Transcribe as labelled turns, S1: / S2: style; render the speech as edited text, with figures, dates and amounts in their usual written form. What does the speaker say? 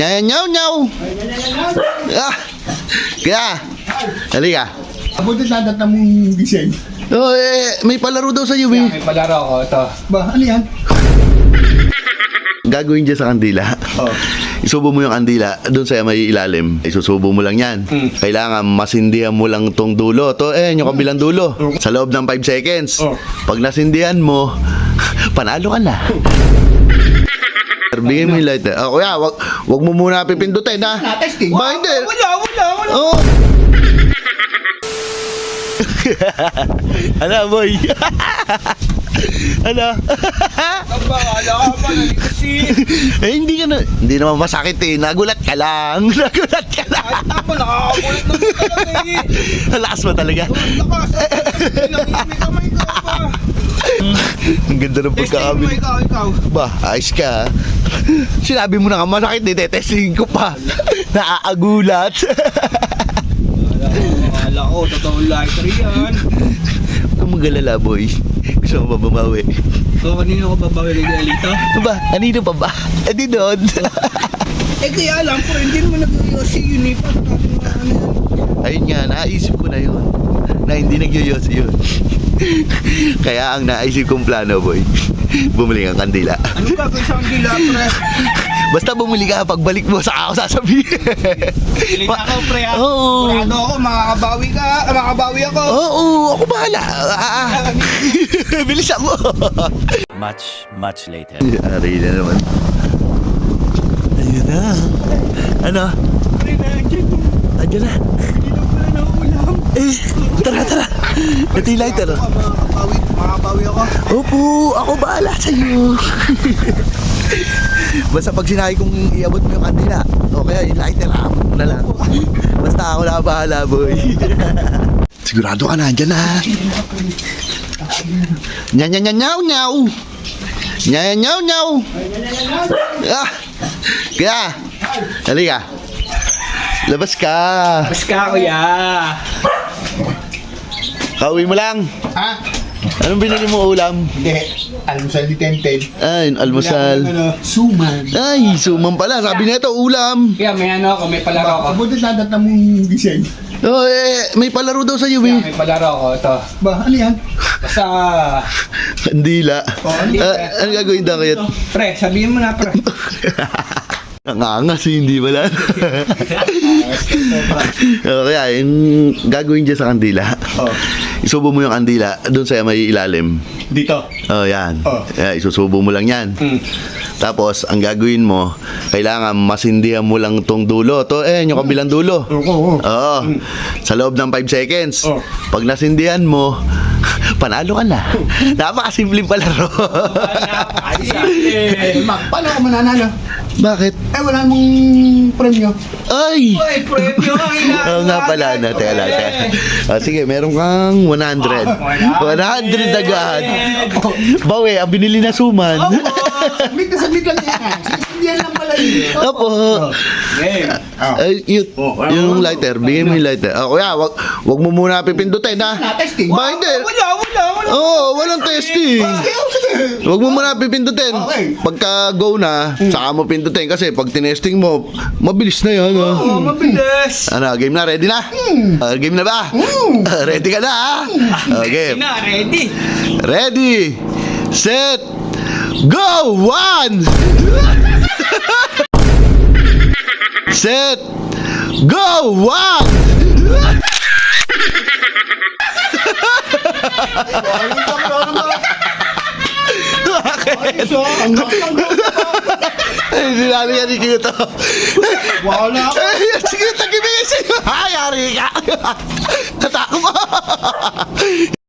S1: Nyaw, nyaw. Ah, kaya, halika.
S2: Abutin natin na mong gising.
S1: Oh, may palaro daw sa iyo, eh.
S3: May palaro ko, ito.
S2: Ba, ano yan?
S1: Gagawin dyan sa kandila.
S2: Oh.
S1: Isubo mo yung kandila doon sa may ilalim. Isusubo mo lang yan. Kailangan masindihan mo lang tong dulo. To, yung kabilang dulo. Sa loob ng 5 seconds. Pag nasindihan mo, panalo ka na. Bigyan mo yung lighter. Kuya, wag mo muna pipindutin, ha?
S2: Na-testing.
S1: Ba, hindi.
S3: Wala.
S1: Oh. Ano, boy? Ano?
S3: Wala ka pa, kasi.
S1: Hindi naman masakit, eh. Nagulat ka lang.
S3: Kahit ako, nakakakulit na talaga eh.
S1: Lakas mo talaga.
S3: Lakas. May kamay ka pa.
S1: Ang ganda ng
S3: Testing mo
S1: pagkakabili.
S3: ikaw.
S1: Ba, ayos ka. Sinabi mo na nga masakit, testing ko pa. Naaagulat.
S3: Wala ko, totoong lighter yan.
S1: Huwag kang mag-alala, boy. Gusto mo ba bumawi?
S3: So, kanino ko babawi kay Elito?
S1: Ba, kanino pa ba? Di doon.
S3: Kaya alam ko, hindi naman nag-yosi yun eh. Paano natin ano yan?
S1: Ayun nga, naisip ko na yun. Na hindi nagyoyosi yun. Kaya ang naisip kong plano, boy, bumili ng kandila.
S3: Anong gagawin sa kandila, pre?
S1: Basta bumili ka, pagbalik mo, saka ako sasabihin.
S3: Pilit ako, pre.
S1: Oo.
S3: Kurado ako, makakabawi ako.
S1: Oo, ako bahala. Bilisan mo.
S4: Much later.
S1: Ari na naman. Ayun na. Ano?
S3: Pre, nandiyan.
S1: Andiyan na.
S3: Hindi na pala na ulam.
S1: Tara. Ito yung lighter.
S3: Makakabawi ako.
S1: Opo, ako bahala sa'yo. Basta pag sinabi kong iabot mo yung kandila, o kaya yung lighter, abot mo na lang. Basta ako na bahala, boy. Sigurado ka na, andyan na. Nyaw. Ah, kaya, halika. Labas ka.
S3: Mas ka, kuya.
S1: Kauwi mo lang.
S2: Ha?
S1: Anong binili mo ulam?
S2: Hindi. Almusal ni Tenten.
S1: Ay, almusal.
S2: Suman.
S1: Ay, sumam pala. Sabi nito, ulam.
S3: Kaya may ano ako, may palaro ako.
S2: Abutin natin na mong gising.
S1: Oh, may palaro daw sa iyo,
S3: Kaya
S1: eh.
S3: may palaro ako, ito.
S2: Ba, ano yan?
S3: Basta,
S1: Kandila. Ano gagawin daw kayo?
S3: pre, sabihin mo na, pre.
S1: Nangangas, hindi wala. Kaya, yung gagawin dyan sa kandila. Isubo mo yung kandila doon sa may ilalim.
S2: Dito.
S1: Oh, yan.
S2: Oh.
S1: Isusubo mo lang yan. Tapos, ang gagawin mo, kailangan masindihan mo lang tong dulo. To, yung kabilang dulo.
S2: Oo.
S1: Oo. Sa loob ng 5 seconds. Pag nasindihan mo, panalo ka na. Napakasimpleng palaro.
S2: Paano ako mananalo?
S1: Bakit?
S2: Wala mong premyo.
S1: Ay!
S3: Uy, premyo,
S1: Oo nga pala, teka lang. Sige, meron kang 100. 100 agad. Bawi, ang binili na suman.
S2: Sabit lang yan. Sisidihan lang pala yun.
S1: Opo.
S3: Game.
S1: Ay, yung lighter, bigyan mo yung lighter. Kuya, wag mo muna pipindutin, ha?
S2: Na-testing.
S1: Ba, hindi.
S3: Wala.
S1: Oo, walang testing. Wag mo muna pipindutin.
S2: Okay.
S1: Pagka go na, saka mo pindutin. Kasi pag tinesting mo, mabilis na yan.
S3: Oh, mabilis.
S1: Ano, game na? Ready na? Game na ba? Ready ka na, ha? Okay.
S3: Na, ready.
S1: Ready, set, go! 1! Set, go! 1! Ay, dinali yan ni Kito.
S2: Wala.
S1: Sige, tagibigay sa'yo. Ay, yari ka. Natako mo.